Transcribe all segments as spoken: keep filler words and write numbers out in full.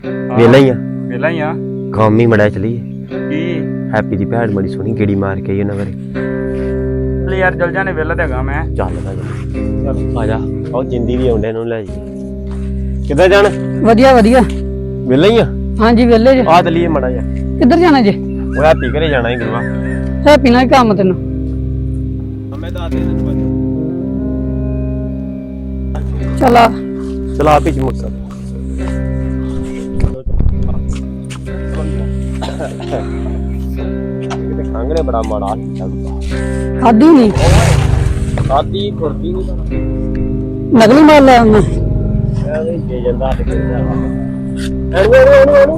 वेला ही आ वेला ही आ काम ही मड़ा चली की हैप्पी दी भैन बड़ी सोहनी गेड़ी मार के आई उन्हां घरे ले यार चल जाने वेला ते हैगा मैं चल चल आ जा आओ जिंदी भी आउंदे नु ले जी किधर जाना ਵਧੀਆ ਵਧੀਆ वेला ही आ ਹਾਂਜੀ ਵੇਲੇ ਜੇ आ चलिए मड़ा जा ਕਿੱਧਰ ਜਾਣਾ ਜੇ ਉਹ ਹੈਪੀ ਘਰੇ ਜਾਣਾ ਹੀ ਗੁਰੂਆ ਹੈਪੀ ਨਾਲ ਕੰਮ ਤੈਨੂੰ ਮੈਂ ਦੱਸ ਦੇ ਤੈਨੂੰ ਚਲਾ ਚਲਾ ਆਪੀ ਚ ਮੁਕਸਰ ਕਿਤੇ ਖੰਗਰੇ ਬੜਾ ਮਾੜਾ ਚੱਲਦਾ ਖਾਦੀ ਨਹੀਂ ਸਾਦੀ ਖੁਰਦੀ ਨਹੀਂ ਨਕਲੀ ਮਾਲ ਲੈ ਆਉਣਾ ਐਵੇਂ ਜੇ ਜਾਂਦਾ ਤੇ ਕਿਹਦਾ ਐਨੂੰ ਐਨੂੰ ਐਨੂੰ ਐਨੂੰ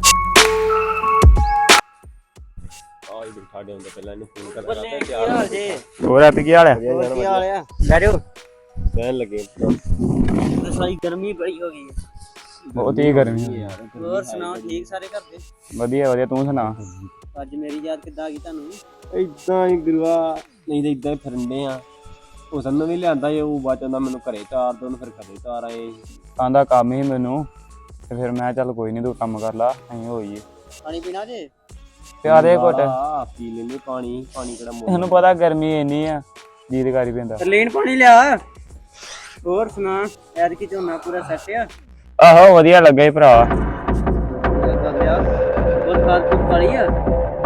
ਆਈ ਬਿਠਾ ਦੇ ਹੁੰਦੇ ਪਹਿਲਾਂ ਇਹਨੂੰ ਫੋਨ ਕਰਦਾ ਤੇ ਤਿਆਰ ਜੀ ਹੋਰ ਹੈਪੀ ਕੀ ਹਾਲ ਹੈ ਕੀ ਹਾਲ ਆ ਬੈਠੋ ਕਹਿਣ ਲੱਗੇ ਤੇ ਸਾਰੀ ਗਰਮੀ ਬੜੀ ਹੋ ਗਈ ਹੈ ਬਹੁਤ ਹੀ ਗਰਮੀ ਹੈ ਹੋਰ ਸੁਣਾਓ ਠੀਕ ਸਾਰੇ ਘਰ ਦੇ ਵਧੀਆ ਵਧੀਆ ਤੂੰ ਸੁਣਾ ਅੱਜ ਮੇਰੀ ਯਾਦ ਕਿੱਦਾਂ ਆ ਗਈ ਤੁਹਾਨੂੰ ਇਦਾਂ ਹੀ ਗੁਰੂਆ ਨਹੀਂ ਤਾਂ ਇਦਾਂ ਹੀ ਫਿਰਨੇ ਆ ਹੁਸਨ ਨੂੰ ਵੀ ਲਿਆਂਦਾ ਜੇ ਉਹ ਬਾਅਦ ਚੋਂ ਮੈਨੂੰ ਘਰੇ ਤਾਰ ਦੋ ਫਿਰ ਘਰੇ ਤਾਰ ਆਏ ਆਂਦਾ ਕੰਮ ਹੀ ਮੈਨੂੰ ਤੇ ਫਿਰ ਮੈਂ ਚੱਲ ਕੋਈ ਨਹੀਂ ਤੂੰ ਕੰਮ ਕਰ ਲਾ ਅਸੀਂ ਹੋਈਏ ਪਾਣੀ ਪੀਣਾ ਜੇ ਤੇ ਆ ਦੇ ਘੁੱਟ ਆ ਪੀ ਲੈਨੇ ਪਾਣੀ ਪਾਣੀ ਕਿਹੜਾ ਮੋੜ ਤੈਨੂੰ ਪਤਾ ਗਰਮੀ ਇੰਨੀ ਆ ਜੀਤ ਕਰੀ ਪੈਂਦਾ ਲੈਣ ਪਾਣੀ ਲਿਆ ਹੋਰ ਸੁਣਾ ਯਾਰ ਕੀ ਝੋਨਾ ਪੂਰਾ ਸੈੱਟ ਆ ਆਹੋ ਵਧੀਆ ਲੱਗਾ ਈ ਭਰਾ ਵਧੀਆ ਹੋਰ ਖਾਦ ਖੂਦ ਪਾਲੀ ਆ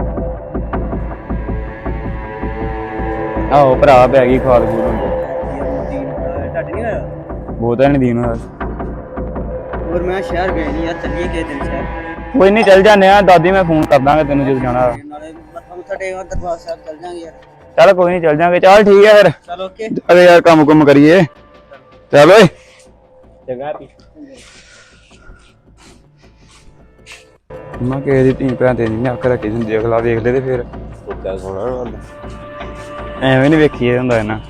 ਆਹੋ ਭਰਾ ਪੈ ਗਈ ਖਾਦ ਖੂਦ ਹੁੰਦੀ ਟੱਟ ਨਹੀਂ ਹੋਇਆ ਬਹੁਤ ਨਹੀਂ ਦੀਨ ਹੋਇਆ ਹੋਰ ਮੈਂ ਸ਼ਹਿਰ ਗਏ ਨਹੀਂ ਯਾਰ ਚੱਲੀਏ ਕਿਸੇ ਦਿਨ ਸ਼ਹਿਰ ਕੋਈ ਨਹੀਂ ਚੱਲ ਜਾਂਦੇ ਆ ਦਾਦੀ ਮੈਂ ਫੋਨ ਕਰ ਦਾਂਗਾ ਤੈਨੂੰ ਜਦੋਂ ਜਾਣਾ ਨਾਲੇ ਮੱਥਾ ਮੁੱਥਾ ਟੇਕਾ ਦਰਬਾਰ ਸਾਹਿਬ ਚੱਲ ਜਾਾਂਗੇ ਯਾਰ ਚੱਲ ਕੋਈ ਨਹੀਂ ਚੱਲ ਜਾਂਗੇ ਚੱਲ ਠੀਕ ਹੈ ਫਿਰ ਚਲ ਓਕੇ ਅਰੇ ਯਾਰ ਕੰਮ ਕੁਮ ਕਰੀਏ ਚੱਲ ਓਏ ਚੰਗਾ ਪੀ ਮੈਂ ਕਿਸੇ ਦੀ ਧੀ ਭੈਣ ਤੇ ਨਹੀਂ ਅੱਖ ਰੱਖੀ ਹੁੰਦੀ ਅਗਲਾ ਵੇਖ ਲੈ ਤੇ ਫਿਰ ਸੋਚਿਆ ਸੋਣਾ ਹੁੰਦਾ ਐਵੇਂ ਨਹੀਂ ਵੇਖੀਏ ਹੁੰਦਾ ਇਹਨਾਂ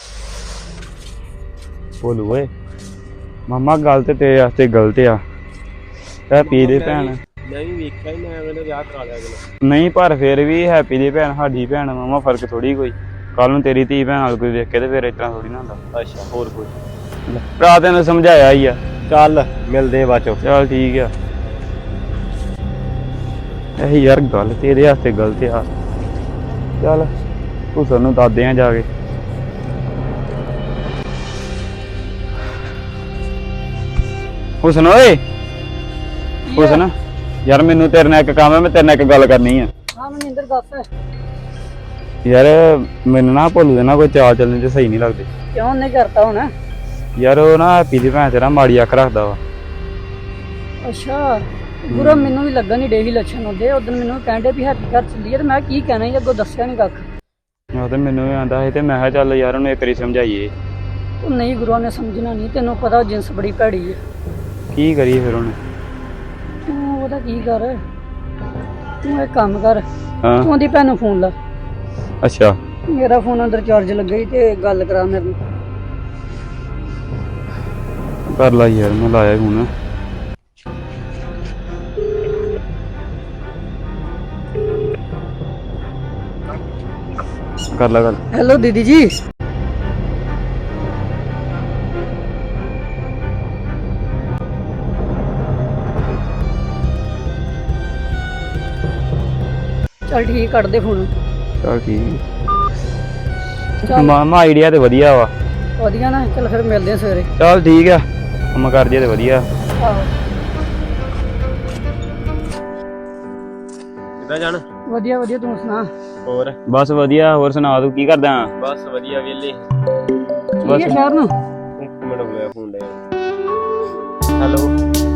ਬੋਲੂ ਓਏ ਮਾਮਾ ਗੱਲ ਤੇ ਤੇਰੇ ਵਾਸਤੇ ਗਲਤ ਆ ਹੈਪੀ ਦੀ ਭੈਣ ਮੈਂ ਵੀ ਵੇਖਿਆ ਹੀ ਮੈਂ ਮੈਨੂੰ ਵਿਆਹ ਕਰਾ ਲਿਆ ਅਗਲੇ ਨਹੀਂ ਪਰ ਫਿਰ ਵੀ ਹੈਪੀ ਦੀ ਭੈਣ ਸਾਡੀ ਭੈਣ ਮਾਮਾ ਫਰਕ ਥੋੜੀ ਕੋਈ ਕੱਲ ਨੂੰ ਤੇਰੀ ਧੀ ਭੈਣ ਨਾਲ ਕੋਈ ਵੇਖ ਕੇ ਤੇ ਫਿਰ ਇਸ ਤਰ੍ਹਾਂ ਥੋੜੀ ਨਾ ਹੁੰਦਾ ਅੱਛਾ ਹੋਰ ਕੋਈ ਭਰਾ ਤੈਨੂੰ ਸਮਝਾਇਆ ਹੀ ਆ ਚੱਲ ਮਿਲਦੇ ਆ ਬਾਚੋ ਚੱਲ ਠੀਕ ਆ ਇਹ ਯਾਰ ਗੱਲ ਤੇਰੇ ਵਾਸਤੇ ਗਲਤ ਆ ਚੱਲ ਤੂੰ ਸਾਨੂੰ ਦੱਸਦੇ ਆ ਜਾ ਕੇ ਹੁਸਨ ਓਏ ਹੁਸਨ ਯਾਰ ਮੈਨੂੰ ਤੇਰੇ ਨਾਲ ਇੱਕ ਕੰਮ ਹੈ ਮੈਂ ਤੇਰੇ ਨਾਲ ਇੱਕ ਗੱਲ ਕਰਨੀ ਆ ਹਾਂ ਮਨਿੰਦਰ ਦੱਸ ਯਾਰ ਮੈਨੂੰ ਨਾ ਭੁੱਲ ਦੇਣਾ ਕੋਈ ਚਾਲ ਚੱਲਣ ਚ ਸਹੀ ਨਹੀਂ ਲੱਗਦੇ ਕਿਉਂ ਨਹੀਂ ਕਰਤਾ ਹੁਣ ਯਾਰ ਉਹ ਨਾ ਹੈਪੀ ਦੀ ਭੈਣ ਤੇਰਾ ਮਾੜੀ ਅੱਖ ਰੱਖਦਾ ਵਾ ਅੱਛਾ ਗੁਰੂ ਮੈਨੂੰ ਵੀ ਲੱਗਾ ਨਹੀਂ ਡੇਵੀ ਲੱਛਣ ਹੁੰਦੇ ਉਦੋਂ ਮੈਨੂੰ ਕਹਿੰਦੇ ਵੀ ਹੈਪੀ ਘਰ ਚੱਲੀਏ ਤੇ ਮੈਂ ਕੀ ਕਹਿਣਾ ਸੀ ਅੱਗੋਂ ਦੱਸਿਆ ਨਹੀਂ ਕੱਖ ਉਹ ਤੇ ਮੈਨੂੰ ਵੀ ਆਂਦਾ ਸੀ ਤੇ ਮੈਂ ਕਿਹਾ ਚੱਲ ਯਾਰ ਉਹਨੂੰ ਇੱਕ ਵਾਰੀ ਸਮਝਾਈਏ ਉਹ ਨਹੀਂ ਗੁਰੂ ਨੇ ਸਮਝਣਾ ਨਹੀਂ ਤੈਨੂੰ ਪਤਾ ਜਿੰਸ ਬੜੀ ਭੈੜੀ ਹੈ ਕੀ ਕਰੀਏ ਫਿਰ ਹੁਣ ਤੂੰ ਉਹਦਾ ਕੀ ਕਰ ਤੂੰ ਇੱਕ ਕੰਮ ਕਰ ਹਾਂ ਤੂੰ ਉਹਦੀ ਭੈਣ ਨੂੰ ਫੋਨ ਲਾ ਅੱਛਾ ਮੇਰਾ ਫੋਨ ਅੰਦਰ ਚਾਰਜ ਲੱਗਾ ਸੀ ਤੇ ਗੱਲ ਕਰਾ ਮੇਰੇ ਨਾਲ ਕਰ ਲਾ ਯਾਰ ਮੈਂ ਲਾਇਆ ਹੁਣ ਕਰ ਲਾ ਗੱਲ ਹੈਲੋ ਦੀਦੀ ਜੀ ਚੱਲ ਠੀਕ ਕੱਢ ਦੇ ਫੋਨ ਚੱਲ ਠੀਕ ਚੱਲ ਮਾਮਾ ਆਈਡੀਆ ਤੇ ਵਧੀਆ ਵਾ ਵਧੀਆ ਨਾ ਚੱਲ ਫਿਰ ਮਿਲਦੇ ਆ ਸਵੇਰੇ ਚੱਲ ਠੀਕ ਆ ਕੰਮ ਕਰ ਜੇ ਤੇ ਵਧੀਆ ਆਹੋ ਕਿੱਦਾਂ ਜਾਣਾ ਵਧੀਆ ਵਧੀਆ ਤੂੰ ਸੁਣਾ ਹੋਰ ਬਸ ਵਧੀਆ ਹੋਰ ਸੁਣਾ ਤੂੰ ਕੀ ਕਰਦਾ ਬਸ ਵਧੀਆ ਵੇਲੇ ਠੀਕ ਹੈ ਸ਼ਹਿਰ ਨੂੰ ਇੱਕ ਮਿੰਟ ਹੋ ਗਿਆ ਫੋਨ ਲੈ ਹੈਲੋ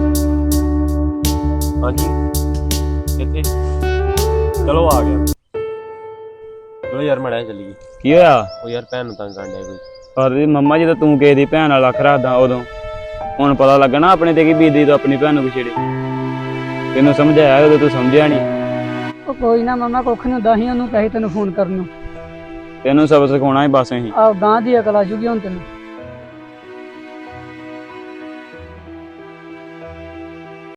ਹਾਂਜੀ ਕਿੱਥੇ ਚਲੋ ਆ ਗਿਆ ਚਲੋ ਯਾਰ ਮੜਾ ਚੱਲੀਏ ਕੀ ਹੋਇਆ ਉਹ ਯਾਰ ਭੈਣ ਨੂੰ ਤੰਗ ਕਰਨ ਡਿਆ ਕੋਈ ਪਰ ਮੰਮਾ ਜਦੋਂ ਤੂੰ ਕਿਸੇ ਦੀ ਭੈਣ ਨਾਲ ਅੱਖ ਰੱਖਦਾ ਉਦੋਂ ਹੁਣ ਪਤਾ ਲੱਗਣਾ ਆਪਣੇ ਤੇ ਕੀ ਬੀਤੀ ਤੂੰ ਆਪਣੀ ਭੈਣ ਨੂੰ ਵਿਛੇੜੇ ਤੈਨੂੰ ਸਮਝਾਇਆ ਉਦੋਂ ਤੂੰ ਸਮਝਿਆ ਨਹੀਂ ਉਹ ਕੋਈ ਨਾ ਮਮਾ ਕੁੱਖ ਨਹੀਂ ਹੁੰਦਾ ਸੀ ਉਹਨੂੰ ਕਹੀ ਤੈਨੂੰ ਫੋਨ ਕਰਨ ਨੂੰ ਤੈਨੂੰ ਸਬਕ ਸਿਖਾਉਣਾ ਹੀ ਬਸ ਅਸੀਂ ਆਹ ਗਾਂ ਦੀ ਅਕਲ ਆ ਜੂਗੀ ਹੁਣ ਤੈਨੂੰ